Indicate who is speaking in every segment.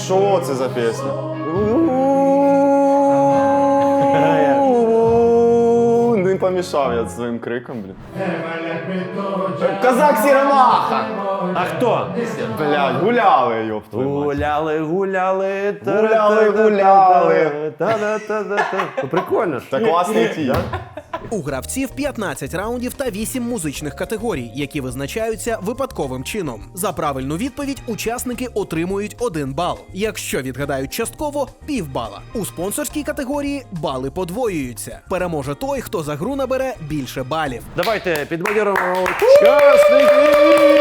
Speaker 1: Що це за пісня? Не помішав я своїм криком, блін. Козак Сіромаха!
Speaker 2: А хто?
Speaker 1: Блядь, гуляли, ёб твою мать.
Speaker 2: Гуляли.
Speaker 1: Гуляли.
Speaker 2: Ну, прикольно ж.
Speaker 1: Та класний ті.
Speaker 3: У гравців 15 раундів та 8 музичних категорій, які визначаються випадковим чином. За правильну відповідь учасники отримують 1 бал. Якщо відгадають частково – півбала. У спонсорській категорії бали подвоюються. Переможе той, хто за гру набере більше балів.
Speaker 2: Давайте підбадьоримо учасників!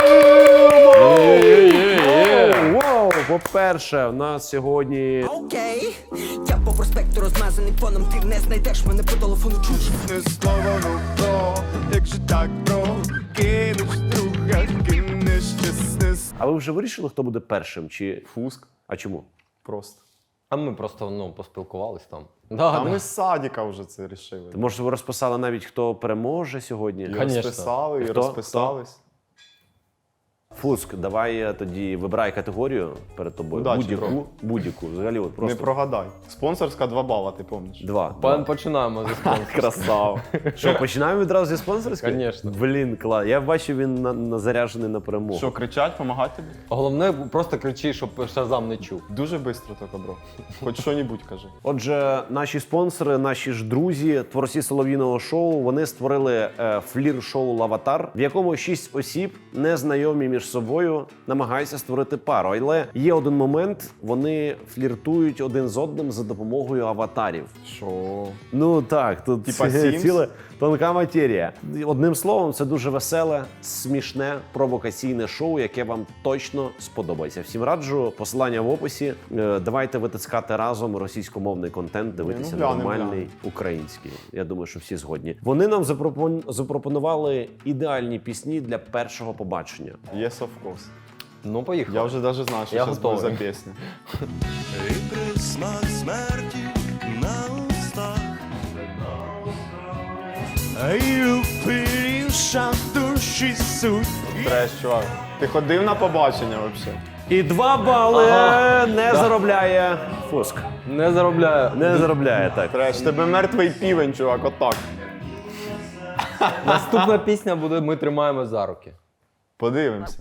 Speaker 2: Воу! По-перше, у нас сьогодні...
Speaker 4: Окей, я по проспекту розмазаний фоном, ти не знайдеш мене по телефону, чуєш?
Speaker 1: Не слово, ну про, якщо так про, кинеш друга, кинеш чесне.
Speaker 2: А ви вже вирішили, хто буде першим? Чи...
Speaker 1: Фуск.
Speaker 2: А чому?
Speaker 1: Просто.
Speaker 5: А ми просто поспілкувались там.
Speaker 1: А ми з садика вже це рішили.
Speaker 2: Може, ви розписали навіть, хто переможе сьогодні?
Speaker 1: І
Speaker 5: Конечно.
Speaker 1: розписали, і
Speaker 2: Хто?
Speaker 1: розписались.
Speaker 2: Фуск, давай тоді вибирай категорію перед тобою.
Speaker 1: Удачі, бро.
Speaker 2: Будь-яку. Взагалі, от
Speaker 1: Не
Speaker 2: просто
Speaker 1: прогадай. Спонсорська 2 бала, ти пам'ятаєш?
Speaker 2: 2.
Speaker 5: Починаємо зі спонсорства.
Speaker 2: Красава. Що, починаємо відразу зі спонсорської?
Speaker 5: Конечно.
Speaker 2: Блін, клас. Я бачу, він заряджений на перемогу.
Speaker 1: Що, кричать, помагати тобі?
Speaker 5: Головне, просто кричи, щоб Шазам не чув.
Speaker 1: Дуже швидко тільки, бро. Хоч що-небудь кажи.
Speaker 2: Отже, наші спонсори, наші ж друзі, творці солов'їного шоу, вони створили флір-шоу «Лаватар», в якому 6 осіб, незнайомі між собою, намагаються створити пару. Але є один момент, вони фліртують один з одним за допомогою аватарів.
Speaker 1: Що?
Speaker 2: Ну так, тут
Speaker 1: Типа Sims?
Speaker 2: ціла тонка матерія. Одним словом, це дуже веселе, смішне, провокаційне шоу, яке вам точно сподобається. Всім раджу, посилання в описі. Давайте витискати разом російськомовний контент, дивитися
Speaker 1: глянемо,
Speaker 2: нормальний український. Я думаю, що всі згодні. Вони нам запропонували ідеальні пісні для першого побачення.
Speaker 1: Yes, of course.
Speaker 5: Ну, поїхали.
Speaker 1: Я вже навіть знаю, що
Speaker 5: Я
Speaker 1: зараз буде за
Speaker 5: готовий.
Speaker 1: пісня.
Speaker 6: І присмак смерті на устах. І впивша душі суть.
Speaker 1: Треш, чувак. Ти ходив на побачення взагалі?
Speaker 2: І 2 бали не заробляє Фуск.
Speaker 5: Не заробляю.
Speaker 2: Не заробляє, так.
Speaker 1: Треш, тебе мертвий півень, чувак, отак.
Speaker 5: Наступна пісня буде «Ми тримаємо за руки».
Speaker 1: Подивимося.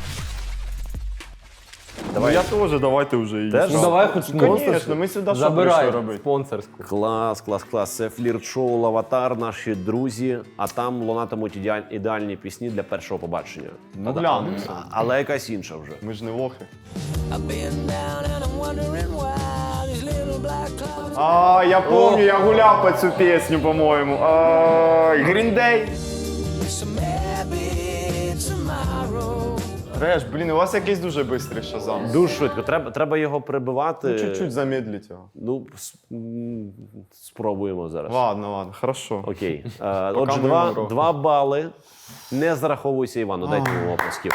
Speaker 2: Давай.
Speaker 1: Ну, я теж, давайте вже її.
Speaker 2: Теж?
Speaker 5: Ну давай хоч
Speaker 1: Звісно, ми сюди що
Speaker 5: забирай
Speaker 1: прийшли робити?
Speaker 5: спонсорську.
Speaker 2: Клас. Це флірт-шоу «Лаватар», наші друзі, а там лунатимуть ідеальні пісні для першого побачення.
Speaker 1: Ну, глянемо.
Speaker 2: Але якась інша вже.
Speaker 1: Ми ж не лохи.
Speaker 4: I've been down and I'm wondering why these little black clouds.
Speaker 1: А, я пам'ятаю, я гуляв по цю пісню, по-моєму. Green Day.
Speaker 4: So maybe tomorrow.
Speaker 1: Треш, блін, у вас якийсь дуже швидкий Шазам.
Speaker 2: Дуже швидко. Треба його прибивати.
Speaker 1: Ну, чуть-чуть замедліть його.
Speaker 2: Ну, спробуємо зараз.
Speaker 1: Ладно, хорошо.
Speaker 2: Окей. Отже,
Speaker 1: ми йому рухаємо.
Speaker 2: 2 бали. Не зараховуйся Івану, дайте йому оплесків.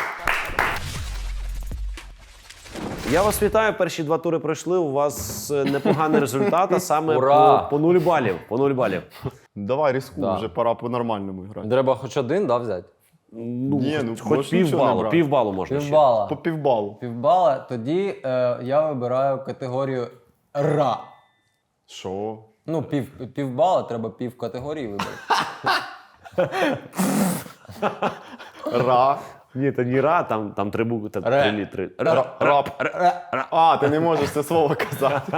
Speaker 2: Я вас вітаю, перші 2 тури пройшли, у вас непоганий результат, а саме
Speaker 5: Ура!
Speaker 2: по 0 балів. По 0 балів.
Speaker 1: Давай рискуй,
Speaker 5: Да.
Speaker 1: вже пора по-нормальному грати.
Speaker 5: Треба хоч один, да, взяти?
Speaker 2: Ну,
Speaker 1: Ні, ну,
Speaker 2: хоч
Speaker 1: можеш нічого не
Speaker 2: півбалу,
Speaker 1: брати.
Speaker 2: півбалу можна ще.
Speaker 5: Півбала.
Speaker 1: По півбалу.
Speaker 5: Півбала, тоді я вибираю категорію «Ра».
Speaker 1: Що?
Speaker 5: Ну, півбала, треба пів категорії вибрати.
Speaker 1: Ра.
Speaker 2: Ні, то не ра, там 3 букви, там
Speaker 5: Ре.
Speaker 2: 3 літри.
Speaker 1: Рап. А, ти не можеш це слово казати.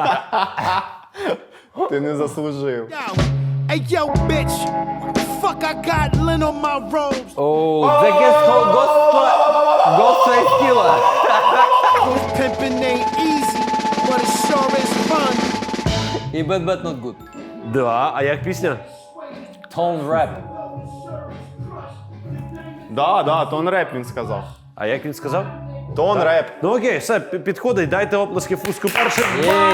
Speaker 1: Ти не заслужив.
Speaker 6: Hey yo, bitch, fuck I got lint on my robes.
Speaker 5: Оу, The Guest Ghostface Killer.
Speaker 6: Pimpin' ain't easy, but it sure is fun.
Speaker 5: І Bad Bad Not Good.
Speaker 2: Да, а як пісня?
Speaker 5: Tone Rap.
Speaker 1: Да, тон реп він сказав.
Speaker 2: А як він сказав?
Speaker 1: Тон реп.
Speaker 2: Ну окей, все, підходить, дайте оплески Фуску першим.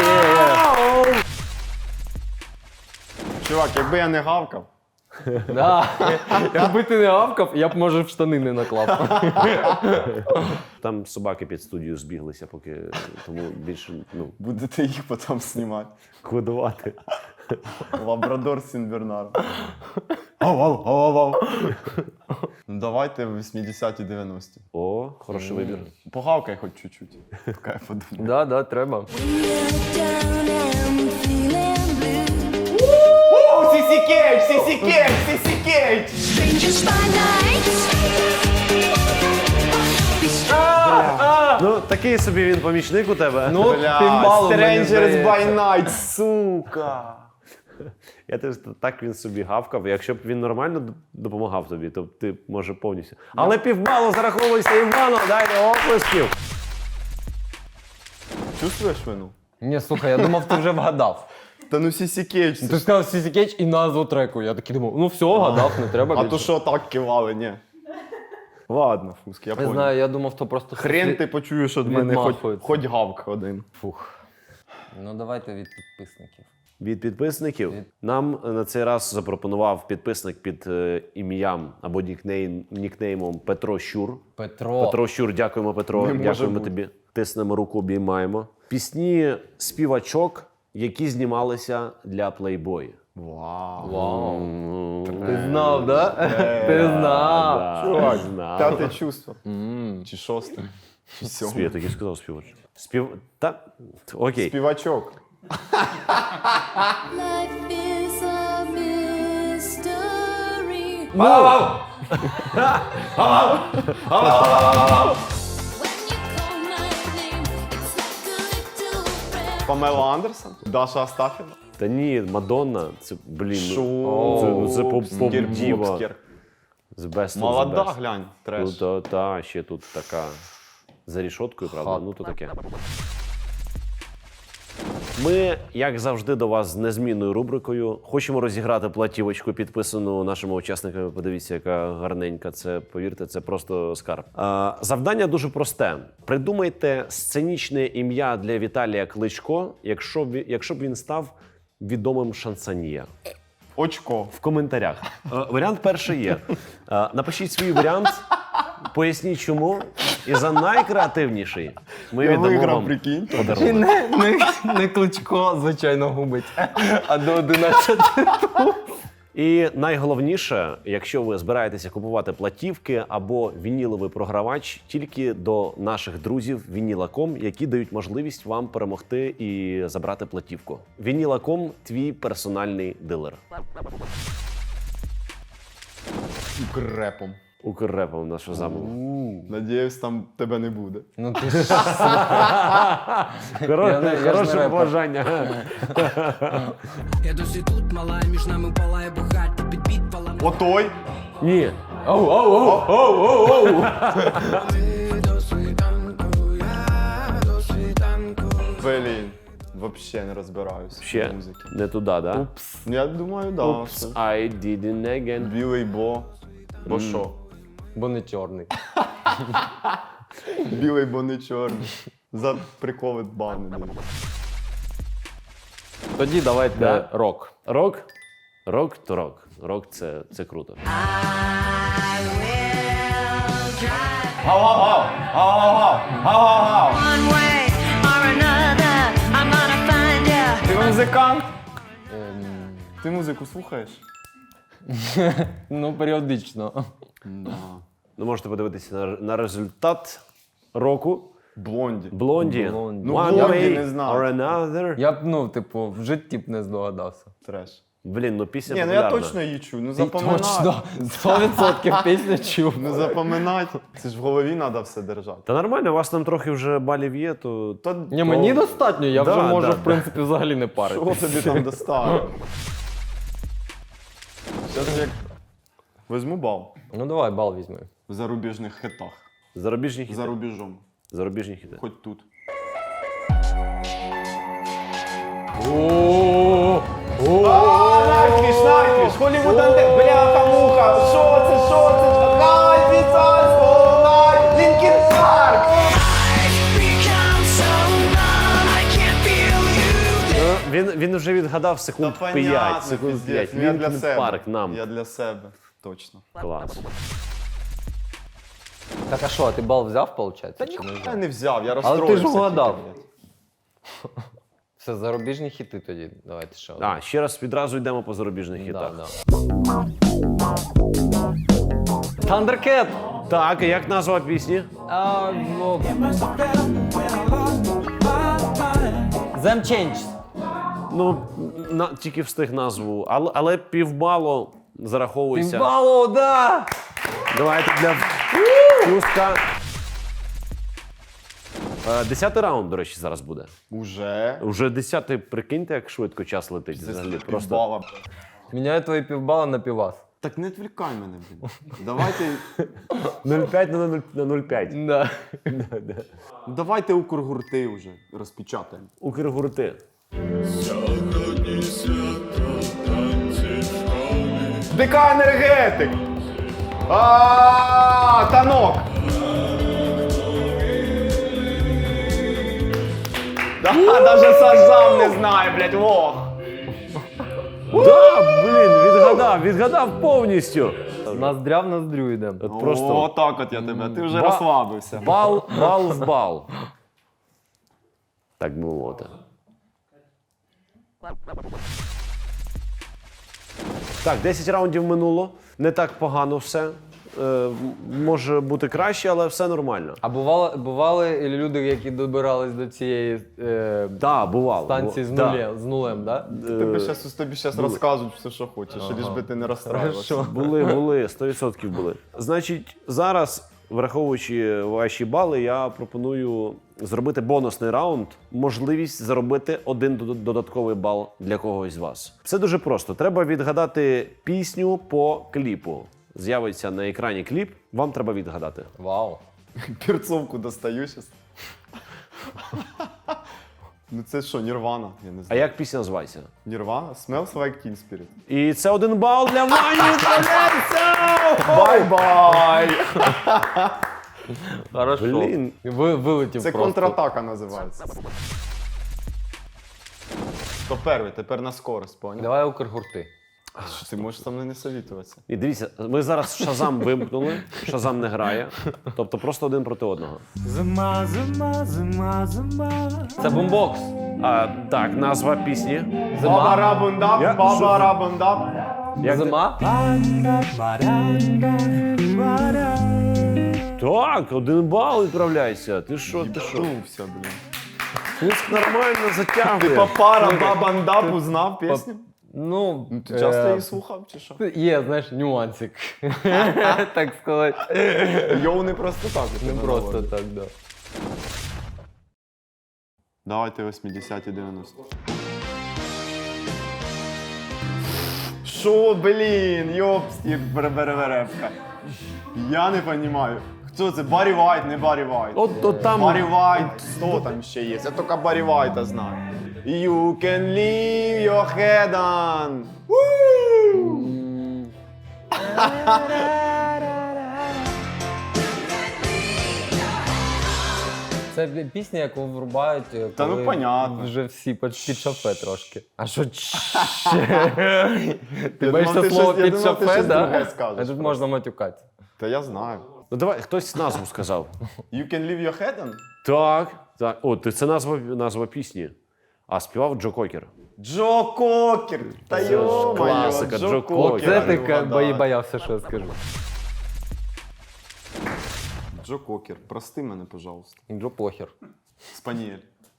Speaker 1: Чувак, якби я не гавкав.
Speaker 5: Да. Якби ти не гавкав, я б, може, в штани не наклав.
Speaker 2: Там собаки під студію збіглися, поки тому більше
Speaker 1: Будете їх потім знімати.
Speaker 2: кодувати.
Speaker 1: Лабрадор з Сінбернаром. Ну, давайте 80-ті, 90-ті.
Speaker 2: О, хороший вибір.
Speaker 1: Погавкай хоч чуть-чуть. Поки я подумаю.
Speaker 5: Да, да, треба.
Speaker 1: Сісі Кейдж, Сісі Кейдж, Сісі Кейдж!
Speaker 2: Ну, такий собі він помічник у тебе.
Speaker 5: Ну,
Speaker 1: Бля,
Speaker 5: півбалу, мені
Speaker 1: Strangers
Speaker 5: здається.
Speaker 1: by Night, сука!
Speaker 2: Я теж так він собі гавкав. Якщо б він нормально допомагав тобі, то ти може повністю. Але півбалу зараховується Івану, дайте оплесків.
Speaker 1: Чувствуєш вину?
Speaker 5: Ні, слухай, я думав, ти вже вгадав.
Speaker 1: Та ну Сісі Кейдж.
Speaker 5: Ти сказав Сісі Кейдж і назву треку. Я такий думав, ну все, вгадав, не треба
Speaker 1: А
Speaker 5: більше.
Speaker 1: то що так кивали, ні. Ладно, Фуск, я
Speaker 5: Не
Speaker 1: понял.
Speaker 5: знаю, я думав, то просто...
Speaker 1: Хрен ти почуєш від мене
Speaker 5: відмахується.
Speaker 1: хоч гавк один.
Speaker 5: Ну давайте від підписників.
Speaker 2: Від підписників нам на цей раз запропонував підписник під ім'ям або нікнеймом Петро Щур. Петро Щур, дякуємо, Петро.
Speaker 1: Не може
Speaker 2: Дякуємо
Speaker 1: бути.
Speaker 2: тобі. Тиснемо руку, обіймаємо. Пісні співачок, які знімалися для Playboy.
Speaker 1: Вау.
Speaker 5: Ти знав, да? Ти знав.
Speaker 2: Да,
Speaker 1: Чувак,
Speaker 2: знав.
Speaker 1: п'яте чувство. Чи шосте? Чи
Speaker 2: Я
Speaker 1: сьоме?
Speaker 2: так і сказав співачок. Та... Окей.
Speaker 1: Співачок.
Speaker 7: Life is a mystery. When you call my name, it's like a little prayer.
Speaker 1: Памела Андерсон? Даша Астафєва?
Speaker 2: Та ні, Мадонна, це, блін,
Speaker 1: Шо?
Speaker 2: це поп-діва.
Speaker 1: Бобскер.
Speaker 2: З best of the
Speaker 1: Молода,
Speaker 2: best.
Speaker 1: глянь, треш.
Speaker 2: Та, ще тут така за рішоткою, правда? Ну, то таке. Ми, як завжди, до вас з незмінною рубрикою. Хочемо розіграти платівочку, підписану нашими учасниками. Подивіться, яка гарненька. Це, повірте, це просто скарб. Завдання дуже просте. Придумайте сценічне ім'я для Віталія Кличко, якщо б він став відомим шансоньє.
Speaker 1: Очко.
Speaker 2: В коментарях. Варіант перший є. Напишіть свій варіант, поясніть чому. І за найкреативніший ми
Speaker 1: Я
Speaker 2: віддамо
Speaker 1: виграв,
Speaker 2: вам
Speaker 1: прикинь.
Speaker 2: подарунок.
Speaker 5: Не Кличко, звичайно, губить, а до 11.
Speaker 2: І найголовніше, якщо ви збираєтеся купувати платівки або вініловий програвач, тільки до наших друзів Vinyl.com, які дають можливість вам перемогти і забрати платівку. Vinyl.com – твій персональний дилер.
Speaker 1: Укрепом.
Speaker 2: Укррепом нашу замову.
Speaker 1: Надіюсь, там тебе не буде.
Speaker 5: Ну ти ж... Я не
Speaker 2: Хороше
Speaker 5: репер.
Speaker 2: побажання.
Speaker 4: Я досі тут мала, між нами палає багаття, під підпалом.
Speaker 1: Отой.
Speaker 2: Ні.
Speaker 4: До світанку, я до світанку.
Speaker 1: Блін. Вообще не розбираюсь
Speaker 2: Ще
Speaker 1: в музиці.
Speaker 2: не туди, да?
Speaker 1: Я думаю, да.
Speaker 2: Oops,
Speaker 1: все.
Speaker 2: I didn't again.
Speaker 1: Білий бо. Бо що?
Speaker 5: Бо не чорний.
Speaker 1: Білий, бо не чорний. За приколи бани.
Speaker 5: Тоді давайте
Speaker 2: Да.
Speaker 5: рок.
Speaker 2: Рок? Рок то рок. Рок це круто.
Speaker 7: One way or another, I'm gonna find you.
Speaker 1: Ти музикант? Ти музику слухаєш?
Speaker 5: Ну, періодично.
Speaker 2: Ну, можете подивитися на результат року.
Speaker 1: Блонді.
Speaker 2: Блонді.
Speaker 5: Блонді.
Speaker 1: Ну,
Speaker 2: One
Speaker 1: Блонді
Speaker 2: way
Speaker 1: не знав.
Speaker 2: or another.
Speaker 5: Я б, ну, типу, в житті б не здогадався.
Speaker 1: Треш.
Speaker 2: Блін, ну пісня
Speaker 1: Ні, ну
Speaker 2: популярна.
Speaker 1: я точно її чую. Ну
Speaker 5: Ти
Speaker 1: запоминати.
Speaker 5: точно 100% пісню чув.
Speaker 1: Ну запоминати. Це ж в голові треба все держати.
Speaker 2: Та нормально, у вас там трохи вже балів є, то...
Speaker 5: Ні, мені достатньо, я
Speaker 2: Да,
Speaker 5: вже можу,
Speaker 2: да,
Speaker 5: в принципі, взагалі не парити.
Speaker 1: Що тобі там доставили? Зараз як візьму бал
Speaker 5: Ну давай, бал візьми.
Speaker 1: в зарубіжних хитах.
Speaker 2: Зарубіжні
Speaker 1: За
Speaker 2: хіти.
Speaker 1: рубежом.
Speaker 2: Зарубіжні хіти.
Speaker 1: Хоч тут. Найтвіш, Найтвіш, Холлівуд Анте, бляха-муха, що це, Лінкін Парк!
Speaker 7: Become so numb, I can't feel you.
Speaker 2: Він вже відгадав секунд 5, секунд 5.
Speaker 1: Я для
Speaker 2: Лінкін
Speaker 1: себе.
Speaker 2: Парк нам.
Speaker 1: Я для себе, точно.
Speaker 2: Клас.
Speaker 5: Так, а що, а ти бал взяв, виходить?
Speaker 1: Та ніхуя я не взяв, я
Speaker 5: Але
Speaker 1: розстроївся.
Speaker 5: ти ж вгадав.
Speaker 1: тільки, блядь.
Speaker 5: Все, зарубіжні хіти тоді. Давайте ще один.
Speaker 2: А, ще раз відразу йдемо по зарубіжних хітах.
Speaker 5: Да, да. Thundercat!
Speaker 2: Так, і як назва пісні?
Speaker 5: Them Changed.
Speaker 2: Ну, тільки встиг назву, але півбалу зараховується.
Speaker 5: Півбалу, да!
Speaker 2: Давайте для Фюстка. 10-й раунд, до речі, зараз буде.
Speaker 1: Уже.
Speaker 2: Уже 10-й, прикиньте, як швидко час летить. Взагалі, просто.
Speaker 1: Бала.
Speaker 5: Міняю твої півбала на півас.
Speaker 1: Так не відвлікай мене, блін. Давайте,
Speaker 2: 0,5 на 0,5.
Speaker 5: Да.
Speaker 1: давайте Укргурти вже розпечатаємо.
Speaker 2: Укргурти.
Speaker 1: ДК енергетик! Танок! Да, даже Сажам не знає, блядь, лох!
Speaker 2: Да, блін, відгадав повністю.
Speaker 5: Ноздря в ноздрю йдемо.
Speaker 2: От просто
Speaker 1: О, так от я тебе, ти вже
Speaker 2: Ба-
Speaker 1: розслабився.
Speaker 2: бал в бал. Так би мовити. Так, 10 раундів минуло. Не так погано все. Може бути краще, але все нормально.
Speaker 5: А бували люди, які добирались до цієї
Speaker 2: Да, бувало.
Speaker 5: станції з нулем, да?
Speaker 1: Тобі зараз розказують все, що хочеш, лиш би ти не розстраювався.
Speaker 5: Хорошо.
Speaker 2: Були, 100% були. Значить, зараз, враховуючи ваші бали, я пропоную зробити бонусний раунд, можливість заробити один додатковий бал для когось з вас. Все дуже просто. Треба відгадати пісню по кліпу. З'явиться на екрані кліп, вам треба відгадати.
Speaker 5: Вау.
Speaker 1: Перцовку достаю зараз. Ну це що, Нірвана? Я не
Speaker 2: А
Speaker 1: знаю.
Speaker 2: як пісня називається?
Speaker 1: Нірвана? Smells like Teen Spirit.
Speaker 2: І це 1 бал для Вані Тролянця!
Speaker 1: Бай-бай!
Speaker 5: Хорошо.
Speaker 2: Блін.
Speaker 5: Вилетів
Speaker 1: Це
Speaker 5: просто.
Speaker 1: контратака називається. Хто перший? Тепер на скорость, поняв?
Speaker 5: Давай Укргурти.
Speaker 1: Що ти можеш со мною не совітуватися?
Speaker 2: І дивіться, ми зараз Шазам вимкнули, Шазам не грає, тобто просто один проти одного.
Speaker 5: Це бумбокс.
Speaker 2: Так, назва пісні.
Speaker 1: Баба рабундап,
Speaker 2: Я-
Speaker 1: баба рабундап.
Speaker 2: Як ти-
Speaker 5: Зима?
Speaker 2: Так, 1 бал відправляється. Ти що?
Speaker 1: Втувся, блін.
Speaker 2: Фюск нормально
Speaker 1: Ти
Speaker 2: затягує.
Speaker 1: папара бабандап узнав пісню?
Speaker 5: Ну,
Speaker 1: Ти часто її слухав чи що?
Speaker 5: Є, знаєш, нюансик. Так сказати.
Speaker 1: Йоу не просто так. у
Speaker 5: Не
Speaker 1: тебе
Speaker 5: просто
Speaker 1: наводить.
Speaker 5: так, да.
Speaker 1: Давайте 80-ті 90. Шо, блін, йопсті береберебка. Я не розумію. Хто це? Баррі Вайт, не Баррі Вайт.
Speaker 2: От там.
Speaker 1: Баррі Вайт, хто там ще є? Я тільки Баррі Вайта знаю. You can leave your head on.
Speaker 5: Це пісня, яку врубають,
Speaker 1: Та ну,
Speaker 5: коли
Speaker 1: понятно.
Speaker 5: вже всі під шафе трошки. А що Ти
Speaker 1: Я
Speaker 5: бачиш
Speaker 1: думав,
Speaker 5: це
Speaker 1: ти
Speaker 5: слово
Speaker 1: щось- я
Speaker 5: під
Speaker 1: думав, ти
Speaker 5: шафе,
Speaker 1: щось друге
Speaker 5: да?
Speaker 1: скажеш
Speaker 5: А тут
Speaker 1: просто.
Speaker 5: можна матюкати.
Speaker 1: Та я знаю.
Speaker 2: Ну давай, хтось назву сказав.
Speaker 1: You can leave your head on?
Speaker 2: Так. О, це назва пісні. А співав Джо Кокер.
Speaker 1: Джо Кокер! Та
Speaker 2: ж
Speaker 1: йо-моє,
Speaker 2: класика, Джо Кокер.
Speaker 5: Це ти
Speaker 1: вгадав.
Speaker 5: боявся, що я скажу.
Speaker 1: Джо Кокер, прости мене, пожалуйста.
Speaker 5: Джо похер.
Speaker 1: Спаніель.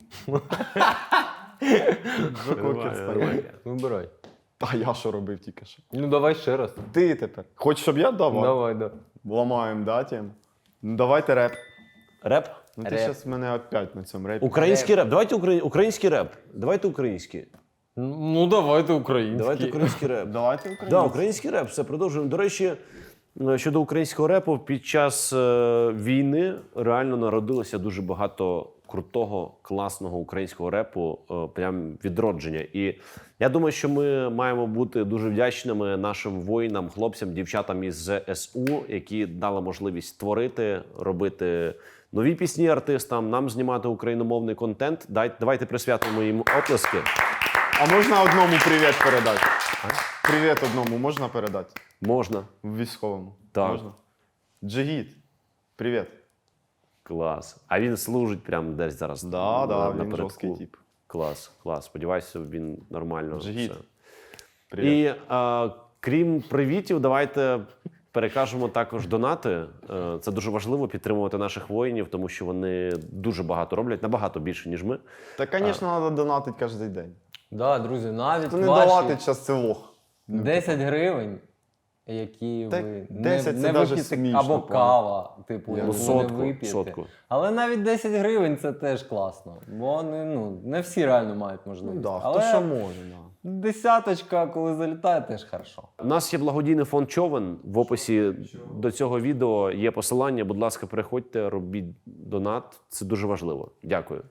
Speaker 1: Джо Кокер, Спаніель.
Speaker 5: Вибирай.
Speaker 1: Та я що робив тільки що?
Speaker 5: Ну давай ще раз.
Speaker 1: Ти тепер. Хочеш, щоб я давав?
Speaker 5: Давай, да.
Speaker 1: Ламаємо, да, тему? Ну давайте реп.
Speaker 2: Реп?
Speaker 1: Ну ти
Speaker 5: Реп.
Speaker 1: зараз мене опять на цьому репі.
Speaker 2: Український реп. Давайте український реп. Давайте український.
Speaker 5: Ну давайте український.
Speaker 2: Давайте український реп.
Speaker 1: Давайте український.
Speaker 2: Да, український реп, все продовжуємо. До речі, щодо українського репу, під час війни реально народилося дуже багато крутого, класного українського репу, прям відродження. І я думаю, що ми маємо бути дуже вдячними нашим воїнам, хлопцям, дівчатам із ЗСУ, які дали можливість творити, робити нові пісні артистам, нам знімати україномовний контент. Давайте присвятимо їм оплески.
Speaker 1: А можна одному привіт передати? Привіт одному можна передати?
Speaker 2: Можна.
Speaker 1: Військовому.
Speaker 2: Так.
Speaker 1: Можна? Джигіт. Привіт.
Speaker 2: Клас. А він служить прямо десь зараз.
Speaker 1: Да, він
Speaker 2: напередку.
Speaker 1: жорсткий тип.
Speaker 2: Клас. Сподіваюся, він нормально.
Speaker 1: Джигіт.
Speaker 2: все.
Speaker 1: Привіт.
Speaker 2: І крім привітів, давайте перекажемо також донати. Це дуже важливо підтримувати наших воїнів, тому що вони дуже багато роблять, набагато більше, ніж ми.
Speaker 1: Та, звісно, треба донатити кожен день.
Speaker 5: Да, друзі, навіть
Speaker 1: Хто не
Speaker 5: ваші
Speaker 1: донатить, час це лох.
Speaker 5: 10 гривень, які
Speaker 1: Та
Speaker 5: ви
Speaker 1: 10
Speaker 5: не
Speaker 1: це даже
Speaker 5: вип'єте,
Speaker 1: смішно,
Speaker 5: або
Speaker 1: правда.
Speaker 5: кава, типу,
Speaker 2: Ну,
Speaker 5: яку ви не
Speaker 2: сотку,
Speaker 5: вип'єте.
Speaker 2: сотку.
Speaker 5: Але навіть 10 гривень це теж класно. Бо вони, не всі реально мають можливість.
Speaker 1: Ну, да, хто
Speaker 5: Але
Speaker 1: що може, да.
Speaker 5: десяточка, коли залітає, теж хорошо.
Speaker 2: У нас є благодійний фонд Човен. В описі до цього відео є посилання. Будь ласка, переходьте, робіть донат. Це дуже важливо. Дякую.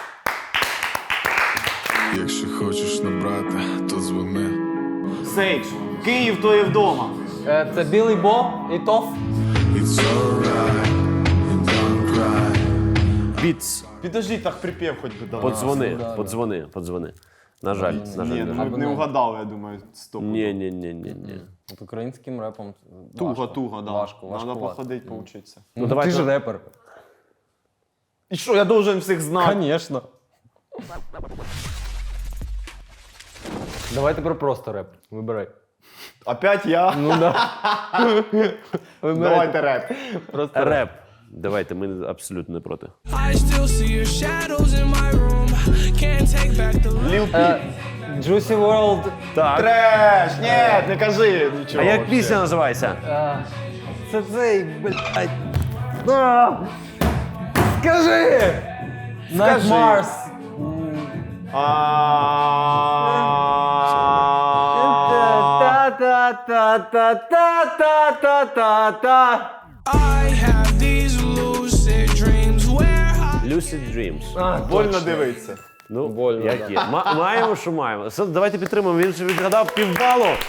Speaker 8: Якщо хочеш набрати, то дзвони.
Speaker 1: Сейдж, Київ то є вдома.
Speaker 5: Це Білий Боб і Тоф.
Speaker 8: It's alright, and don't cry.
Speaker 2: Біц,
Speaker 1: Підожди, так припів хоч би дав.
Speaker 2: подзвони. На жаль, на жаль.
Speaker 1: Ні,
Speaker 2: на
Speaker 1: ну
Speaker 2: жаль.
Speaker 1: ми б не угадали, я думаю, стоп.
Speaker 2: Ні.
Speaker 5: От українським репом
Speaker 1: Туго, да.
Speaker 5: важко.
Speaker 1: Треба походити, поучитися.
Speaker 5: Ну,
Speaker 2: давайте-
Speaker 5: ти ж репер.
Speaker 1: І що, я должен всіх знати?
Speaker 5: Конечно. Давай тепер просто реп. Вибирай.
Speaker 1: Опять я?
Speaker 5: Ну да. Вибирай.
Speaker 1: Давайте реп.
Speaker 5: Просто
Speaker 2: Реп. Давайте, ми абсолютно не проти.
Speaker 9: I still see your shadows in my room. Can't take back the light.
Speaker 1: Lil Peep.
Speaker 5: Juicy World.
Speaker 2: Так.
Speaker 1: Треш! Ні, не кажи нічого.
Speaker 2: А як
Speaker 1: вообще.
Speaker 2: пісня називається?
Speaker 5: Це цей, блядь. Скажи! Night Mars. Та-та-та-та-та-та-та-та-та.
Speaker 9: I have these lucid dreams where I
Speaker 2: Lucid Dreams.
Speaker 1: Больно дивитися.
Speaker 2: Ну,
Speaker 5: Больно,
Speaker 2: як є. Маємо, що маємо. Все, давайте підтримаємо. Він вже відгадав півбалу.
Speaker 1: Я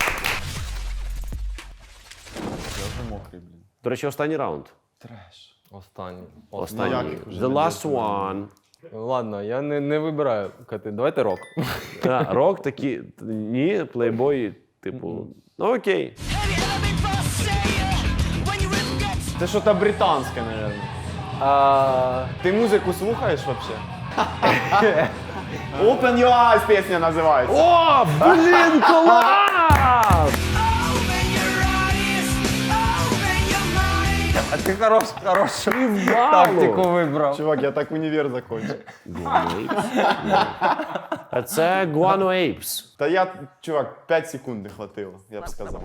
Speaker 1: вже мокрий, блін.
Speaker 2: До речі, останній раунд.
Speaker 1: Треш.
Speaker 5: Останній.
Speaker 2: Останній.
Speaker 1: як їх вже
Speaker 2: The
Speaker 1: не
Speaker 2: last one.
Speaker 5: Ладно, я не вибираю. Кати. Давайте рок.
Speaker 2: Рок такі. Ні, плейбой, типу. Ну окей.
Speaker 1: Це що то британське, мабуть. Ти музику слухаєш вообще? Open Your Eyes пісня називається.
Speaker 2: О, блін, клас!
Speaker 5: А ти хорошу тактику вибрав.
Speaker 1: Чувак, я так універ закончив.
Speaker 2: А це Guano Apes.
Speaker 1: Та я, чувак, 5 секунд не хватило, я б сказав.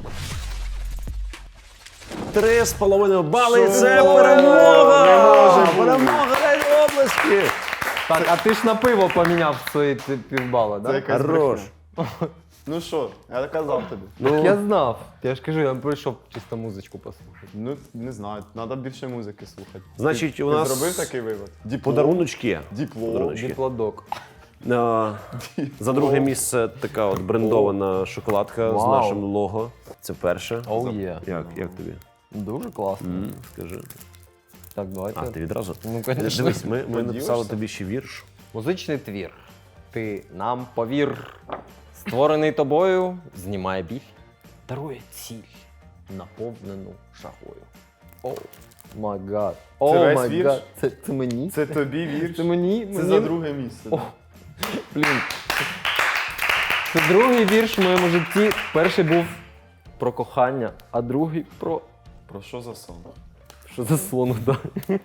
Speaker 2: 3,5 бали.
Speaker 1: Що?
Speaker 2: Це
Speaker 1: Не
Speaker 2: перемога!
Speaker 1: може бути.
Speaker 2: Перемога на області!
Speaker 5: Так, а ти ж на пиво поміняв свої півбала,
Speaker 1: Це
Speaker 5: да?
Speaker 1: якась
Speaker 2: Хорош.
Speaker 1: брехня. Ну що, я казав тобі.
Speaker 5: Я знав. Я ж кажу, я прийшов чисто музичку послухати.
Speaker 1: Ну, не знаю, треба більше музики слухати.
Speaker 2: Значить,
Speaker 1: ти,
Speaker 2: у
Speaker 1: ти
Speaker 2: нас
Speaker 1: зробив такий вивод? Діпло.
Speaker 2: Подаруночки.
Speaker 1: Діпло.
Speaker 2: Подаруночки.
Speaker 5: Діплодок.
Speaker 2: За друге місце така от брендована шоколадка з
Speaker 5: Вау.
Speaker 2: нашим лого. Це перше.
Speaker 5: Оу є.
Speaker 2: Як тобі?
Speaker 5: Дуже класно.
Speaker 2: Скажи.
Speaker 5: Так, давайте.
Speaker 2: А, ти відразу?
Speaker 5: Ну, конечно.
Speaker 2: Дивись, ми написали
Speaker 1: Поділишся?
Speaker 2: тобі ще вірш.
Speaker 5: Музичний твір. Ти нам повір. Створений тобою, знімає біль, дарує ціль, наповнену жагою. О, май гад. О,
Speaker 1: весь
Speaker 5: май
Speaker 1: вірш?
Speaker 5: гад. Це мені?
Speaker 1: Це тобі вірш?
Speaker 5: Це мені?
Speaker 1: Це за друге місце.
Speaker 5: О, блін. Це другий вірш в моєму житті. Перший був про кохання, а другий про...
Speaker 1: Про що за сон?
Speaker 5: Що за слон, да?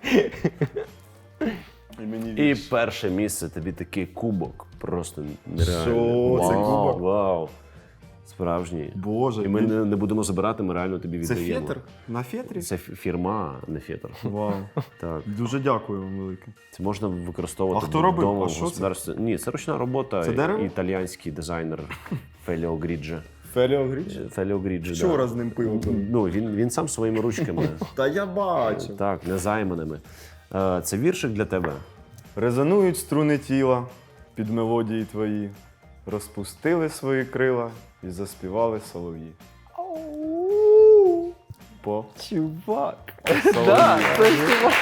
Speaker 1: І мені
Speaker 2: І
Speaker 1: вірш.
Speaker 2: перше місце тобі такий кубок. Просто нереально.
Speaker 1: Що? Це
Speaker 2: Вау,
Speaker 1: кубок?
Speaker 2: Вау. Справжній.
Speaker 1: Боже,
Speaker 2: І ми не будемо забирати, ми реально тобі
Speaker 1: Це
Speaker 2: віддаємо.
Speaker 1: фетр? На фетрі?
Speaker 2: Це фірма, а не фетр.
Speaker 1: Вау.
Speaker 2: Так.
Speaker 1: Дуже дякую вам велике.
Speaker 2: Це можна використовувати
Speaker 1: А хто робив?
Speaker 2: вдома
Speaker 1: А
Speaker 2: в
Speaker 1: що це?
Speaker 2: господарстві. Ні, це ручна робота.
Speaker 1: Це дерево?
Speaker 2: Італійський дизайнер Феліо Гріджі.
Speaker 1: Феліо Гріч?
Speaker 2: Феліо Гріджі,
Speaker 1: Вчора
Speaker 2: да.
Speaker 1: з ним пиво пив.
Speaker 2: Ну, він сам своїми ручками.
Speaker 1: Та я бачив.
Speaker 2: Так, незайманими. Це віршик для тебе.
Speaker 1: Резонують струни тіла під мелодії твої, розпустили свої крила і заспівали солов'ї. По
Speaker 5: Чувак.
Speaker 1: солов'ї.
Speaker 5: Да, це чувак.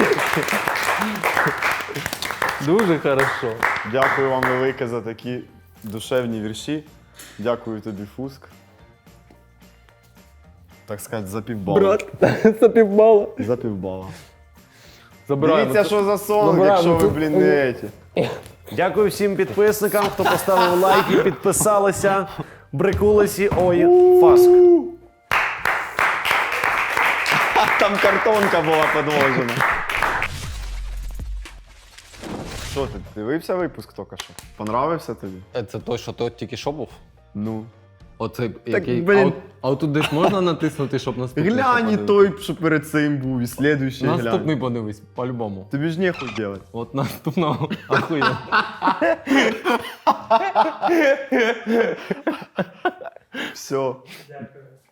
Speaker 5: Дуже хорошо.
Speaker 1: Дякую вам велике за такі душевні вірші. Дякую тобі, Фуск. Так сказати, за півбала.
Speaker 5: Брат, це півбала.
Speaker 1: За півбала.
Speaker 5: Забираємо.
Speaker 1: Дивіться, що за сон,
Speaker 5: Забираємо.
Speaker 1: якщо ви, блін, не еті.
Speaker 2: Дякую всім підписникам, хто поставив лайки, підписалися, брикулесі. Ой, Фаск.
Speaker 1: Там картонка була підложена. Що ти дивився випуск тільки що? Понравився тобі?
Speaker 5: Це той, що той тільки що був?
Speaker 1: Ну.
Speaker 5: Оцей, який...
Speaker 1: блін.
Speaker 5: А от тут десь можна натиснути, щоб наступний?
Speaker 1: Глянь і той, що перед цим був, і слідуючий
Speaker 5: Наступний
Speaker 1: глянь.
Speaker 5: подивись, по-любому.
Speaker 1: Тобі ж нехуй делать.
Speaker 5: От наступного ахуєнно.
Speaker 1: Все.